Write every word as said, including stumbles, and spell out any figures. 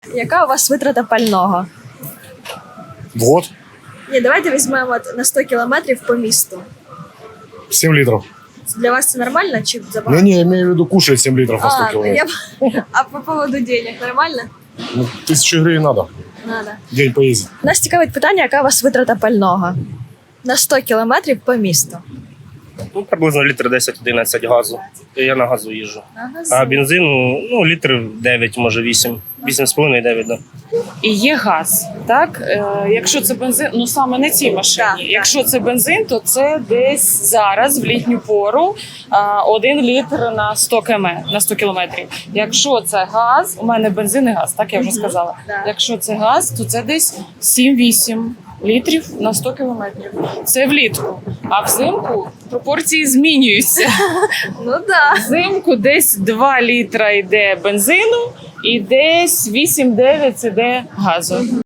Яка у вас витрата пального? В год Ні, давайте візьмемо от на сто кілометрів по місту. семь литров. Для вас це нормально чи забагато? Не, не, я имею в виду кушает семь литров на сто А, километров. я... а по поводу денег нормально? Ну, тысячу гривен надо. Надо. День поездить. Нас цікавить питання, яка у вас витрата пального? На сто кілометрів по місту. Ну, приблизно літр десять-одинадцять газу. Я на газу їжджу. Ага, А бензину, ну, літр дев'ять, може вісім. вісім з половиною дев'ять, да. І є газ. Так, е, якщо це бензин, ну саме на цій машині. Так, так. Якщо це бензин, то це десь зараз в літню пору а, один літр на сто кілометрів, на сто кілометрів. Якщо це газ, у мене бензин і газ, так я вже сказала. Так. Якщо це газ, то це десь сім-вісім літрів на сто кілометрів. Це влітку. А взимку пропорції змінюються. Ну да. Взимку десь два літра йде бензину і десь вісім-дев'ять іде газу.